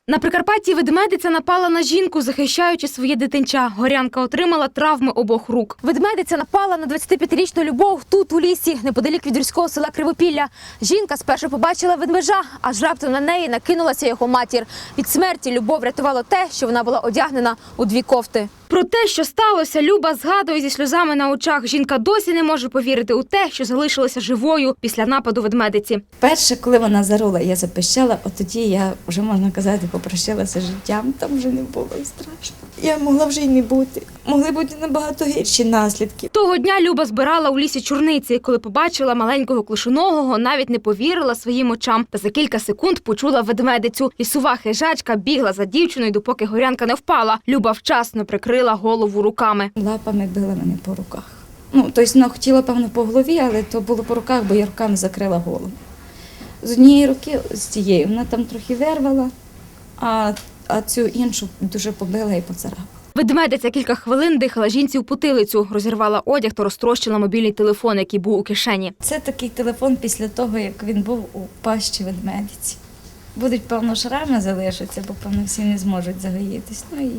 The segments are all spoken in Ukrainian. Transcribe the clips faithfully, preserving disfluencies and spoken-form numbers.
На Прикарпатті ведмедиця напала на жінку, захищаючи своє дитинча. Горянка отримала травми обох рук. Ведмедиця напала на двадцятип'ятирічну Любов тут, у лісі, неподалік від гірського села Кривопілля. Жінка спершу побачила ведмежа, аж раптом на неї накинулася його матір. Від смерті Любов рятувало те, що вона була одягнена у дві кофти. Про те, що сталося, Люба згадує зі сльозами на очах. Жінка досі не може повірити у те, що залишилася живою після нападу ведмедиці. Перше, коли вона зарула, я запищала, от тоді я вже, можна казати, попрощалася з життям, там вже не було і страшно. Я могла вже й не бути. Могли бути набагато гірші наслідки. Того дня Люба збирала у лісі чорниці. Коли побачила маленького клишоногого, навіть не повірила своїм очам. Та за кілька секунд почула ведмедицю. Лісова хижачка бігла за дівчиною, допоки Горянка не впала. Люба вчасно прикрила голову руками. Лапами била мене по руках. Ну, тобто вона хотіла, певно, по голові, але то було по руках, бо я руками закрила голову. З однієї руки, з цієї, вона там трохи вирвала, а, а цю іншу дуже побила і поцарапала. Ведмедиця кілька хвилин дихала жінці в потилицю, розірвала одяг та розтрощила мобільний телефон, який був у кишені. Це такий телефон після того, як він був у пащі ведмедиці. Будуть, певно, шрами залишаться, бо, певно, всі не зможуть загоїтись. Ну і,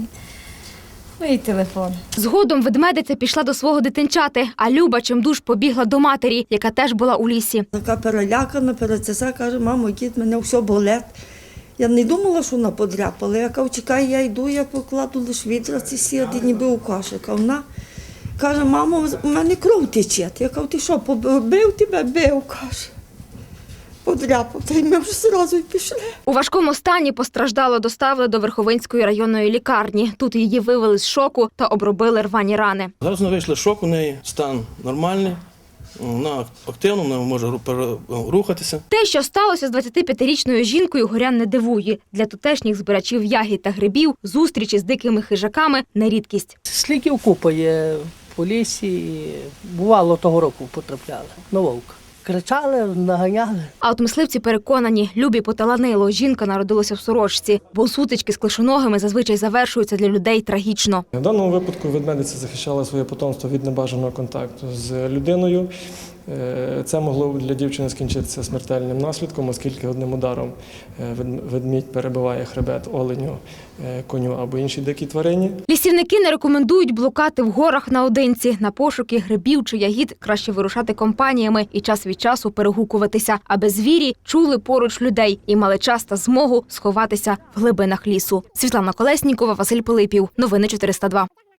ну і телефон. Згодом ведмедиця пішла до свого дитинчати, а Люба чимдуж побігла до матері, яка теж була у лісі. Така перелякана, перецеса, каже, мамо, дід, мене все болить. Я не думала, що вона подряпала. Я кажу, чекай, я йду, я покладу лише відра ці сіяти, ніби у кошик. А вона каже, мамо, у мене кров тече. Я кажу, ти що, бив тебе? Бив, каже. Подряпав, та й ми вже одразу й пішли. У важкому стані постраждало доставили до Верховинської районної лікарні. Тут її вивели з шоку та обробили рвані рани. Зараз вона вийшла з шоку, у неї стан нормальний, вона активна, вона може рухатися. Те, що сталося з двадцятип'ятирічною жінкою, горян не дивує. Для тутешніх збирачів ягід та грибів зустрічі з дикими хижаками – не рідкість. Слідів купа є по лісі, і бувало того року потрапляли на вовка. Кричали, наганяли. А от мисливці переконані, Любі поталанило. Жінка народилася в сорочці, бо сутички з клишоногими зазвичай завершуються для людей трагічно. В даному випадку ведмедиця захищала своє потомство від небажаного контакту з людиною. Це могло для дівчини скінчитися смертельним наслідком, оскільки одним ударом ведмідь перебиває хребет оленю, коню або іншій дикій тварині. Лісівники не рекомендують блукати в горах наодинці. На пошуки грибів чи ягід краще вирушати компаніями і час від часу перегукуватися, аби звірі чули поруч людей і мали час та змогу сховатися в глибинах лісу. Світлана Колеснікова, Василь Пилипів. Новини чотириста два.